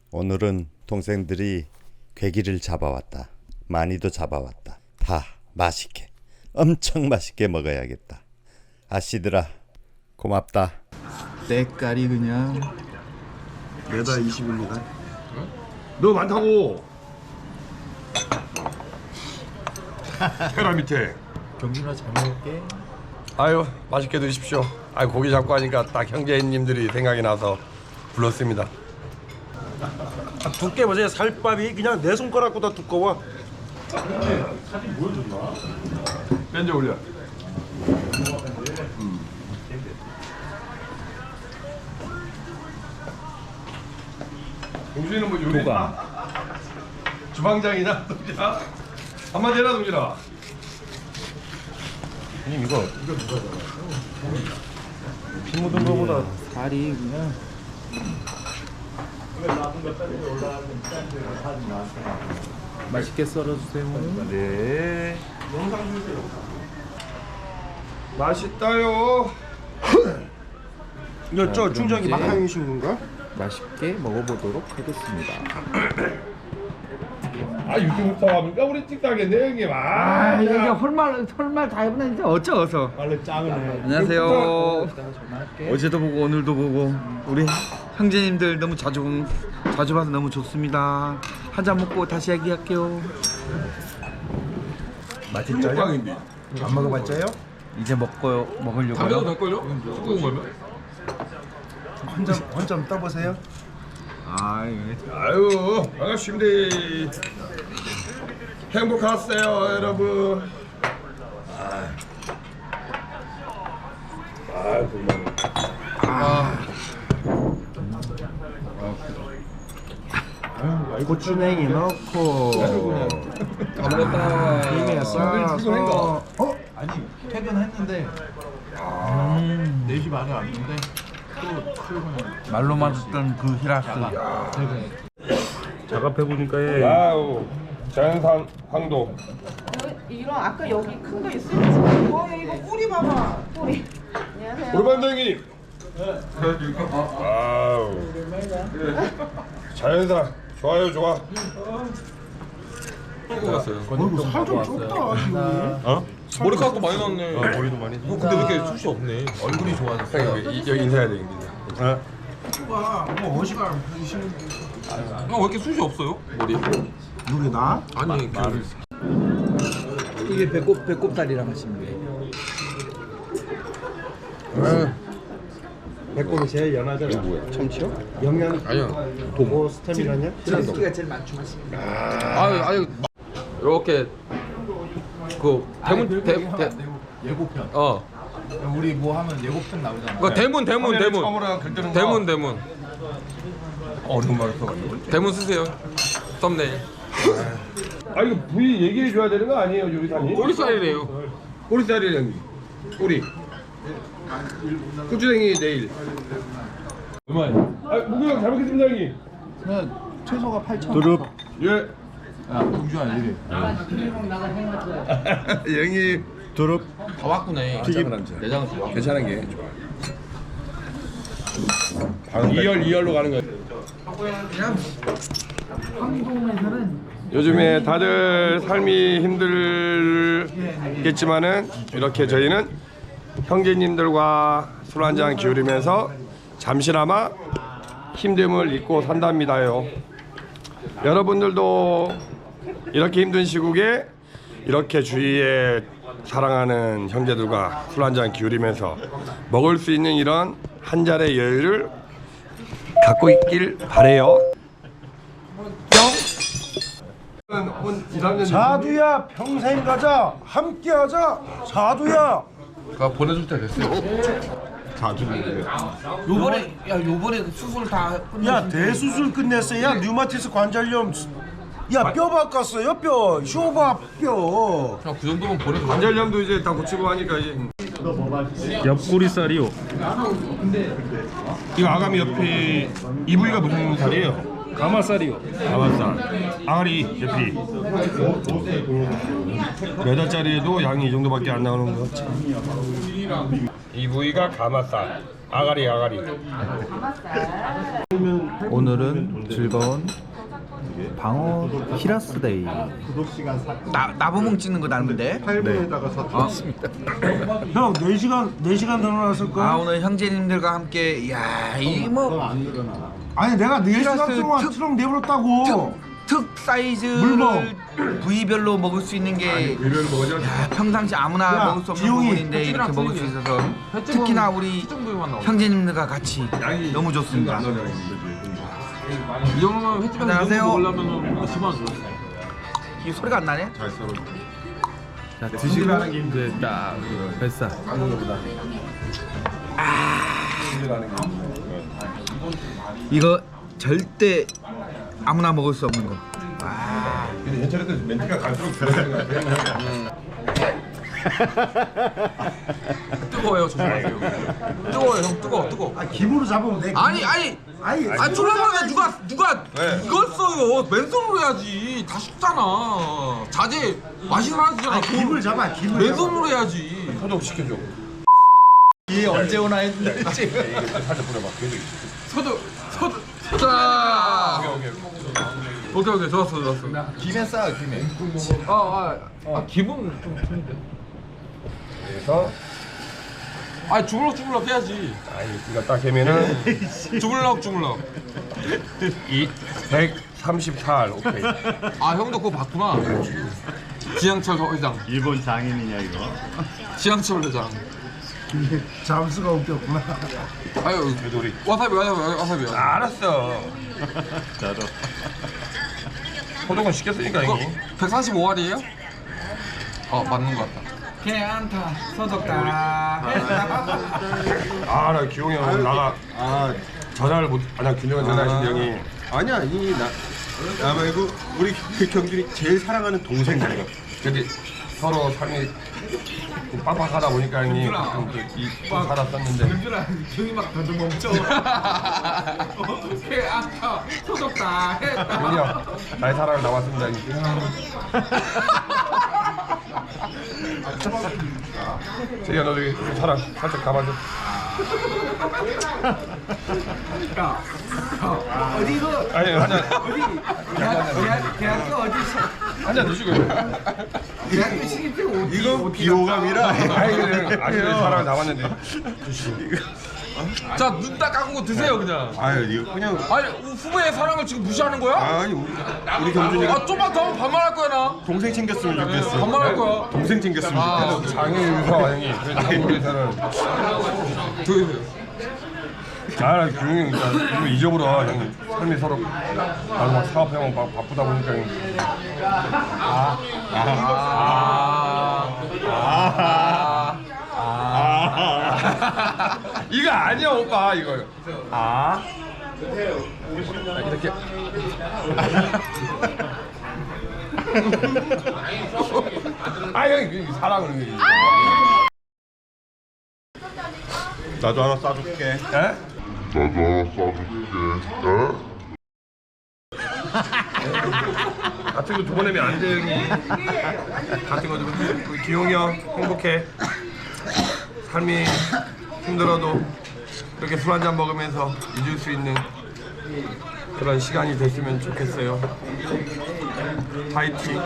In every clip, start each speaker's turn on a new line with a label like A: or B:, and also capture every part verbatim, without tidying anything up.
A: 오늘은 동생들이 괴기를 잡아왔다. 많이도 잡아왔다. 다 맛있게, 엄청 맛있게 먹어야겠다. 아씨들아 고맙다.
B: 때깔이 그냥
C: 매달 이십입니다.
D: 너 많다고. 테라 밑에.
B: 경준아 잘 먹을게.
D: 아유 맛있게 드십시오. 아유 고기 잡고 하니까 딱 형제님들이 생각이 나서 불렀습니다.
C: 아, 두께 보세요. 살밥이 그냥 내 손가락보다 두꺼워.
D: 사진 보여줬나? 뺀져 올려. 음. 동준이는 뭐 요리? 주방장이나 동준아? 한마디 해라 동준아.
C: 형님 이거 이거 누가 피 묻은 거보다
B: 살이 그냥 맛있게 썰어주세요.
C: 네.
D: 맛있다요.
C: 이거 저 중장이
B: 이제-
C: 막향이신 건가?
B: 맛있게 먹어보도록 하겠습니다.
D: 아 유튜브 합니까 우리 찍다겠네 형님. 아,
E: 아, 이게 헐말 헐말 다 해보네 이제 어쩌어서.
C: 원래 짱을 해.
E: 안녕하세요. 어제도 보고 오늘도 보고 우리 형제님들 너무 자주 본- 자주 봐서 너무 좋습니다. 한 잔 먹고 다시 얘기할게요.
C: 맛있죠요? 안 먹어봤죠요?
E: 이제 먹고요 먹으려고요.
D: 될걸요? 쑥국 먹으면?
C: 혼자 혼자 떠보세요.
E: 아, 예.
D: 아유 반갑습니다. 행복하세요 여러분. 아 정말.
C: 고추냉이 넣고
D: 다 먹었다.
C: 김에 싸서
B: 어? 아니 퇴근했는데 네 시 반에 왔는데 또 출근.
E: 말로만 듣던 그 히라스.
C: 작업해 보니까
D: 와우 자연산 황도.
F: 이런 아까 여기 큰 거 있어요? 어 이거 뿌리 봐봐 뿌리. 안녕하세요.
D: 우리 반장님. 와우. 자연산 좋아요 좋아.
C: 어이구 살좀 좁다.
D: 어?
G: 머리카락도 많이 났네.
D: 어, 머리도 많이.
G: 형 근데 왜 이렇게 숱이 없네? 얼굴이 좋아졌어.
D: 형 여기, 이- 여기 인사해야 되겠네. 어?
C: 뭐 어시가 보이시는
G: 형 왜 이렇게 숱이 없어요? 머리?
C: 누구 나?
G: 아니 그
E: 이게 배꼽 배꼽살이라 하시면 돼요.
C: 배꼽이 제일 연하잖아. 뭐야? 참치요? 영양
G: 아니야.
C: 뭐 스테미나냐?
E: 스키가 제일 많춤하십니다.
G: 아유 아유 이렇게 그 대문 대, 대,
B: 예고편.
G: 어.
B: 우리 뭐 하면 예고편 나오잖아.
G: 그 대문 대문 대문
D: 처음으로 글 뜨는 거.
G: 대문 대문
D: 어려운 말을 써가지고.
G: 대문 쓰세요. 썸네일.
D: 아 이거 부위 얘기해 줘야 되는 거 아니에요 요리사님?
G: 꼬리살이래요.
D: 꼬리살이 형님. 꼬리. 고추냉이 내일. 얼마예요? 아 무구형 잘 먹겠습니다 형님.
B: 그냥 최소가 팔천.
C: 두릅.
D: 예.
B: 야 경준아 이래.
D: 형님.
C: 두릅.
G: 다 왔구네.
C: 튀김.
G: 내장은 좋아.
D: 괜찮은 게 좋아. 이열 이열로 가는 거예요. 요즘에 다들 삶이 힘들겠지만은 이렇게 저희는 형제님들과 술 한잔 기울이면서 잠시나마 힘듦을 잊고 산답니다요. 여러분들도 이렇게 힘든 시국에 이렇게 주위에 사랑하는 형제들과 술 한잔 기울이면서 먹을 수 있는 이런 한 잔의 여유를 갖고 있길 바래요.
C: 자두야 평생 가자 함께하자 자두야.
G: 가 보내줄 때 됐어요.
E: 요번에 야 요번에 수술 다
C: 야 대수술 끝냈어. 야 류마티스 관절염. 야 뼈 바꿨어요 뼈. 쇼바 뼈.
G: 형 그 정도면 보내줘.
D: 관절염도 이제 다 고치고 하니까 이제
C: 옆구리살이요.
D: 이거 아가미 옆에 이 부위가 무슨 살이에요?
C: 가마살이요.
D: 가마살, 아가리 옆이 몇 알짜리에도 양이 이 정도밖에 안 나오는 거. 이 부위가 가마살, 아가리 아가리.
B: 오늘은 즐거운 방어 히라스데이.
E: 나 나보몽 찍는 거 닮은데?
C: 형 네 시간 네 시간 더 놀았을 거야.
E: 아 오늘 형제님들과 함께 야 이뭐
C: 아니 내가 네 시간
E: 히라스
C: 동안
E: 특-
C: 트럭 내버렸다고.
E: 특 사이즈를
C: 물먹.
E: 부위별로 먹을 수 있는 게
D: 이걸 뭐죠?
E: 야, 평상시 아무나
C: 야,
E: 먹을 수 없는
C: 지용이.
E: 부분인데 이렇게 먹을 수 있어서 특히나 우리 형제님들과 같이 너무 좋습니다.
G: 이 정도면 횟집에서
E: 안녕하세요.
G: 먹으려면 몇십만 원 줘.
E: 이 소리가 안 나네?
B: 자, 드시고 이제 딱 뱃살.
E: 이거 절대 아무나 먹을 수 없는 거.
D: 근데 예전에도 멘트가 갈수록 잘하는 것 같아요.
G: 뜨거워요, 조심하세요. 뜨거워요, 형. 뜨거워, 뜨거워.
C: 아 김으로 잡으면 돼.
G: 아니, 아니.
C: 아니
G: 아, 쫄라면 누가 누가
D: 네.
G: 이걸 써요. 맨손으로 해야지. 다 식잖아. 자제 맛이 사라지잖아.
C: 아니, 김을 잡아 김을.
G: 맨손으로 해야지.
D: 소독 시켜줘.
B: 이 언제 오나 했는데
D: 살짝 뿌려봐.
G: 서도 서도 자. 오케이 오케이 좋았어 좋았어.
B: 김에 싸 김에.
G: 아아 아, 기분 좀 틀린데.
D: 그래서
G: 아 주물럭 주물럭 해야지.
D: 아니 이거 딱 하면은
G: 주물럭 주물럭.
D: 이 백삼십사 알 오케이.
G: 아 형도 그거 봤구나. 지향철 회장.
A: 일본 장인이냐 이거?
G: 지향철 회장.
C: 잠수가 웃겼구나.
G: 아유
D: 그래도 우리
G: 와사비 와사비 와사비.
D: 알았어.
A: 저도.
D: 소독은 시켰으니까
G: 그거
D: 형이.
G: 백사십오 알이에요? 어 맞는 것 같다.
E: 괜찮다. 소독다.
D: 아나 기용이 형 오늘 나가. 아 전화를 못. 아나 균형한 전화하신 형이.
H: 아니야 이 나 나 말고 우리 그 경준이 제일 사랑하는 동생이야.
D: 근데 서로 삶이 좀 빡빡하다 보니까 형이 가끔 이 살았었는데.
G: 형이 막 더듬 멈춰. 오케이 아까 소독다 했다.
D: 형이 형 나의 사랑을 남았습니다. 형이. 제가 너 저기 사랑 살짝 감아줘.
E: 어디고?
D: 아니 한잔
E: 대학 대학교 어디?
D: 한잔 드시고.
E: 대학교 시기표 어디?
H: 이건 비호감이라.
D: 아니 그냥 아시는 사랑을 담았는데.
G: 자 눈 딱 감은 거 드세요 그냥.
H: 아유 이거 그냥
G: 아니 후배의 사랑을 지금 무시하는 거야?
H: 아니 우리, 우리 경준이가
G: 아 좀만 더 하면 반말할 거야 나.
H: 동생 챙겼으면 좋겠어.
G: 반말할 거야.
H: 동생 챙겼으면
G: 아,
H: 좋겠어.
D: 장애 유서 형이. 그래서 한국에서는
G: 드세요.
D: 아 규영이 형 진짜 이거 잊어버려 형이. 삶이 서로 나도 막 사업하면 막 바쁘다 보니까 형이.
G: 아.
D: 이거 아니야 오빠 이거. 아. 이렇게. 아 형이 그 사랑을.
H: 나도 하나 싸줄게.
D: 에? 같은 거 두 번 내면 안 돼 형이. 같은 거 두 번. 우리 기용이 형 행복해. 삶이 힘들어도 이렇게 술 한잔 먹으면서 잊을 수 있는 그런 시간이 됐으면 좋겠어요. 파이팅.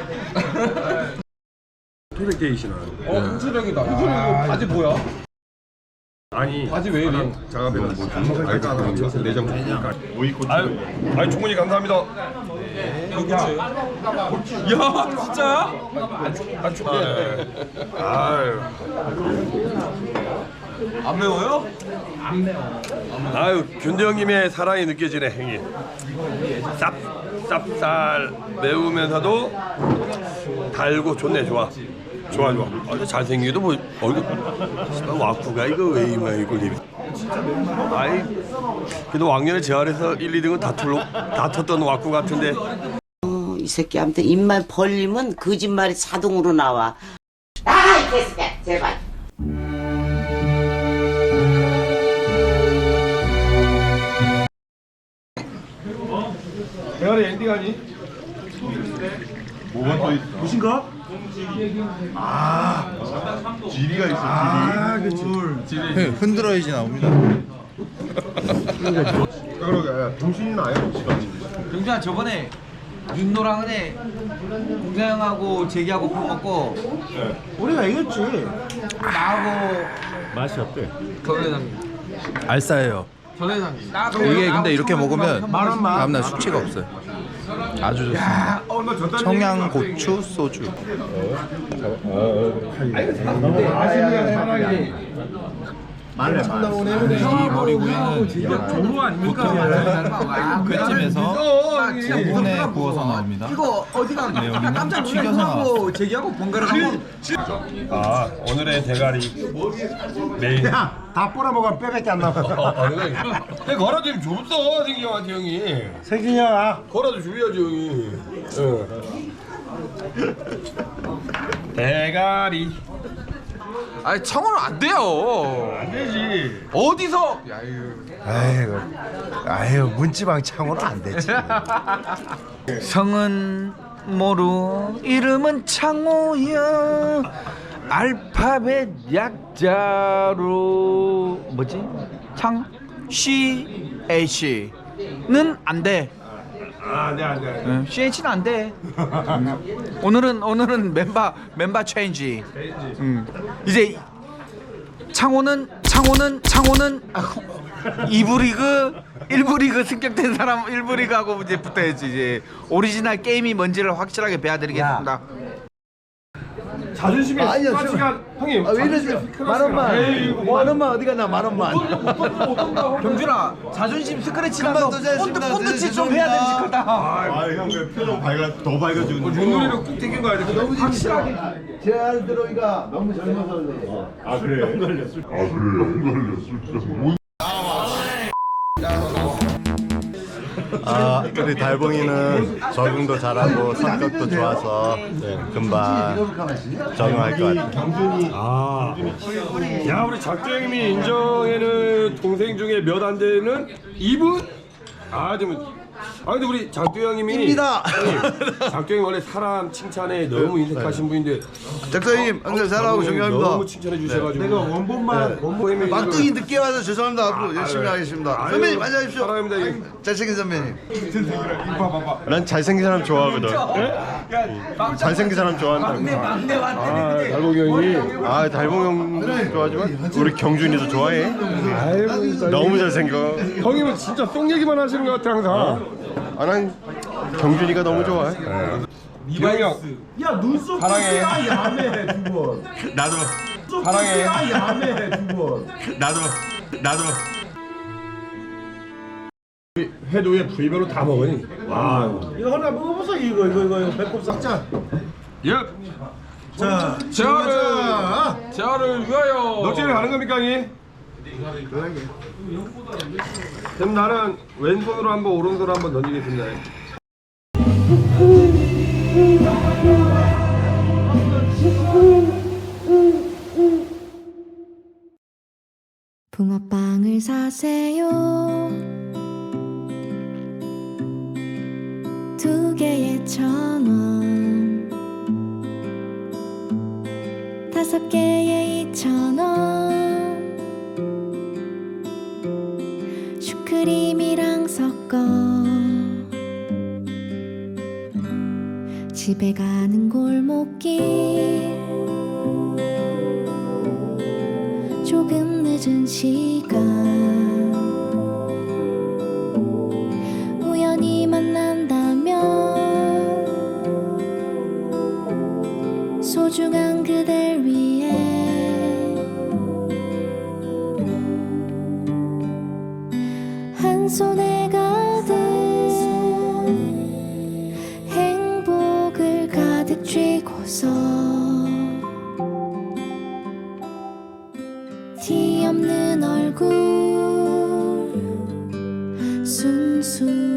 D: 토백데이시나.
G: 어 홍수령이다. 홍수령 이거 바지 뭐야?
D: 아니
G: 바지 왜 이래?
D: 작업에는 뭐 알까 내장 되니까. 아유, 아유 충분히 감사합니다.
G: 야 진짜야?
D: 아 충분히. 아유.
G: 안 매워요?
D: 아유 균대 형님의 사랑이 느껴지네 형님. 쌉 쌉쌀 매우면서도 달고 좋네. 좋아 좋아 좋아. 아, 잘생기도 뭐 얼굴 와꾸가 이거 왜 이마 이거 리. 아이 그래도 왕년에 재활에서 일, 이 등은 다툴로 다퉜던 와꾸 같은데.
I: 어, 이 새끼한테 입만 벌리면 거짓말이 자동으로 나와. 나가 이 개새끼야 제발.
D: 대가리 엔딩 아니?
H: 뭐가 더 있어?
C: 무엇인가?
H: 지리가 있어. 지리.
B: 흔들어야지 나옵니다.
H: 그러게 동신이는 아예 없지.
E: 병준아 저번에 윤노랑 은혜 동생하고 재기하고 밥 먹고
C: 우리가 이겼지.
E: 나하고
A: 맛이 어때?
G: 전 회장님.
B: 알싸해요.
G: 전 회장님.
B: 이게 근데 이렇게 먹으면
C: 만원 만.
B: 다음날 숙취가 없어요. 아주 좋습니다. 청양 고추 소주. 이 머리구이는
E: 조로 아닙니까?
B: 그쯤에서 오븐에 구워서 나옵니다.
E: 이거 어디가
B: 여기는
E: 깜짝
B: 튀겨서
E: 놀라고 재기하고 번갈아 가고
D: 아 오늘의 대가리 메인.
C: 다 뿌려먹으면 뼈밖에 안 남아.
D: 내 걸어 좀 줬어 생기 형한테 형이.
C: 세균이 형아.
D: 걸어도 줘야지 형이. 응. 대가리.
G: 아니 청어는 안 돼요.
D: 안 되지.
G: 어디서? 야 이거.
C: 아이고, 아유 문지방 창호는 안 되지.
E: 성은 모루 이름은 창호야 알파벳 약자로 뭐지? 창 C H는 안 돼.
D: 아, 네, 안 돼, 안 돼.
E: 응, C H는 안 돼. 음. 오늘은 오늘은 멤버 멤버 체인지. 음. 이제 창호는 창호는 창호는 이 부 리그 일 부 리그 승격된 사람 일 부 리그하고 이제 붙어야지. 이제 오리지널 게임이 뭔지를 확실하게 배워드리겠습니다.
D: 자존심이 빠지가 형님.
C: 왜 이러세요? 만 원만. 만 원만 어디 갔나? 만 원만.
E: 경준아 자존심 스크래치 나서 본드 본드치 좀 해야 되지 그다.
A: 아형 표정 밝아 더 밝아지고.
D: 눈물이로 꾹 땡긴 거 아니야? 너무
E: 확실하게.
C: 제 아들 들어오기가 너무 젊어서 그래.
A: 아 그래. 아, 우리 달봉이는 적응도 잘하고 성격도 좋아서 금방 적응할 것 같아요.
D: 아, 야 우리 작두 형님이 인정에는 동생 중에 몇 안 되는 이분? 아, 좀. 아 근데 우리 작두 형님이
C: 입니다.
D: 형님, 작두 형이 원래 사람 칭찬에 너무 인색하신 분인데
C: 작가님 항상 사랑하고 존경합니다.
D: 너무 칭찬해 주셔가지고
C: 내가 원본만 원본 막둥이 늦게 와서 죄송합니다. 앞으로 열심히 하겠습니다. 선배님 안녕하십시오.
D: 사랑합니다. 이게.
C: 잘생긴 선배님.
A: 난 잘생긴 사람 좋아하거든. 잘생긴 사람 좋아한다.
E: 막내
D: 아,
E: 왔네.
D: 달봉이 형이
A: 아 달봉 형도 좋아하지만 우리 경준이도 좋아해.
D: 아이고 진짜
A: 너무 잘생겨.
D: 형님은 진짜 똥 얘기만 하시는 것 같아 항상.
A: 아 난 경준이가 너무 좋아해.
D: 기영이 형
C: 야 눈썹
D: 사랑해.
C: 야매 두 번.
A: 나도
D: 사랑해.
C: 야매 두 번.
A: 나도 나도.
D: 회도 에 부위별로 다 먹으니. 와.
C: 이거 하나 먹어보세요. 이거 이거 이거 이거 배꼽 싹자.
D: 예.
C: 자,
G: 재활을 재활을 위하여.
D: 넉질에 가는 겁니까 형이? 그럼 나는 왼손으로 한번 오른손으로 한번 던지겠습니다.
J: 붕어빵을 사세요. 두 개에 천 원, 다섯 개에 이천 원. 슈크림이랑 섞어 집에 가는 골목길, 조금 늦은 시간 우연히 만난다면 소중한 그댈 위해 한 손에 가득 행복을 가득 쥐고서 티 없는 얼굴 순수